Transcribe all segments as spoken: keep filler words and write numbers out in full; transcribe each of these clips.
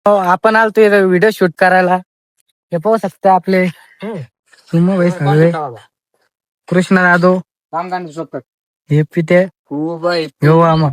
हो, आपण आलतो व्हिडिओ शूट करायला. हे पाहू शकता आपले सुमो भाई सगळे, कृष्णा यादव, हे पिते हो आम्हा.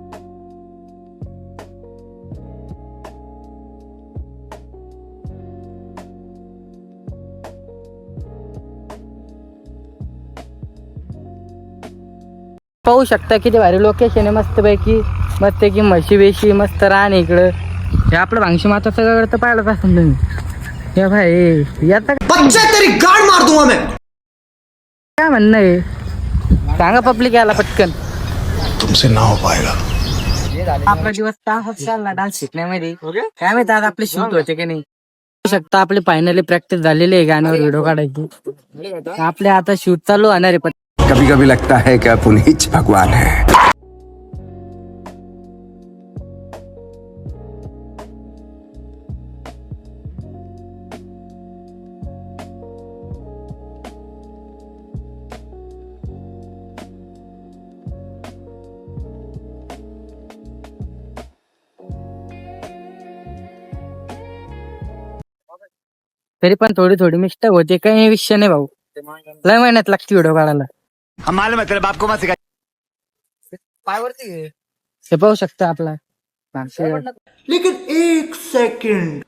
पाहू शकता किती भारी लोकेशन आहे. मस्त पैकी मस्त की म्हशी बेशी मस्त रान इकडं. हे आपलं भांगशी माता सगळं तर पाहिलंच असेल तुम्ही. हे भाई याचा तेरी गाड़ मार दूंगा मैं. काय म्हणणं आहे सांगा पब्लिक याला पटकन. तुमसे ना हो पाएगा. आपला दिवस तास चालला डान्स शिकण्यामध्ये. काय माहिती आज आपले शूट होते की नाही. पाहू शकता आपली फायनली प्रॅक्टिस झालेली आहे गाण्यावर व्हिडिओ काढायची. आपले आता शूट चालू होणार आहे. कभी कभी लगता है कि आप उन्हीं भगवान है. तरी पण थोडी थोडी मिस्टेक होते, काही विषय नाही भाऊ. लय महिन्यात लागते व्हिडिओ काढायला. हे पाहू शकता आपला लेकिन एक सेकंड.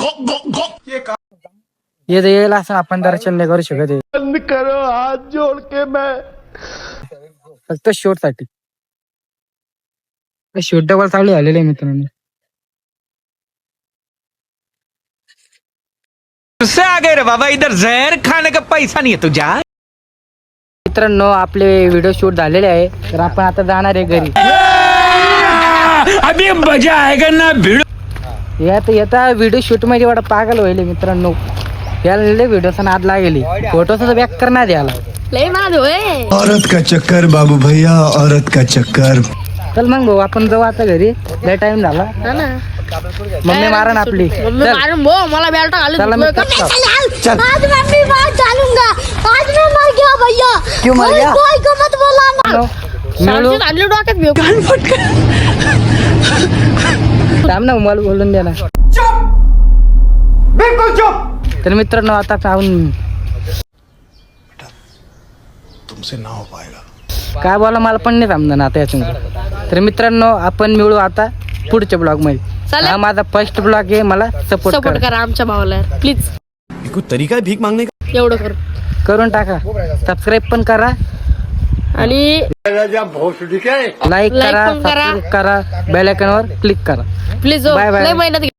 ये येईल असं आपण दर्शन नाही करू शकत. बंद करो हाथ जोड़ के. मैं फक्त शूट साठी शूट डबल चालू झालेले आहे मित्रांनो. उससे आगे रे बाबा, इधर जहर खाने का पैसा नहीं है तुझा. मित्रांनो आपले व्हिडिओ शूट झालेले आहे, तर आपण आता जाणार आहे घरी. अभी मजा आएगा ना भिड़ो. यात येता व्हिडिओ शूट मध्ये एवढा पागल व्हायले मित्रांनो. याला व्हिडिओचा नाद लागेल, फोटोचा बॅक करणार याला. औरत का चक्कर बाबू भैया, औरत का चक्कर. चल मग भाऊ आपण जाऊ आता घरी, लय टाइम झाला. मम्मी मारण आपली. मला बेल्ट घालून चला मी आज मैं भी बात डालूंगा. आज मैं मर गया भैया. क्यों मर गया? कोई को मत बोलाना. मिळू चालू डोक्यात घेऊ. थांब ना मला बोलून द्या ना. बिल्कुल चुप. तर मित्रांनो आता खाऊन तुमसे ना हो पाएगा. काय बोला मला पण नाही समजा ना आता याच्यामध्ये. तर मित्रांनो आपण मिळू आता पुढच्या ब्लॉग मध्ये. चालेल. हा माझा फर्स्ट ब्लॉग आहे, मला सपोर्ट सपोर्ट करा आमच्या भावाला प्लीज. कोई तरीका है भीख मांगने का. एवढं करू करून टाका. सबस्क्राईब पण करा आणि लाईक Like करा, पण करा. सबस्क्राईब करा, बेल आयकॉनवर क्लिक करा. Please Bye bye. लय मेहनत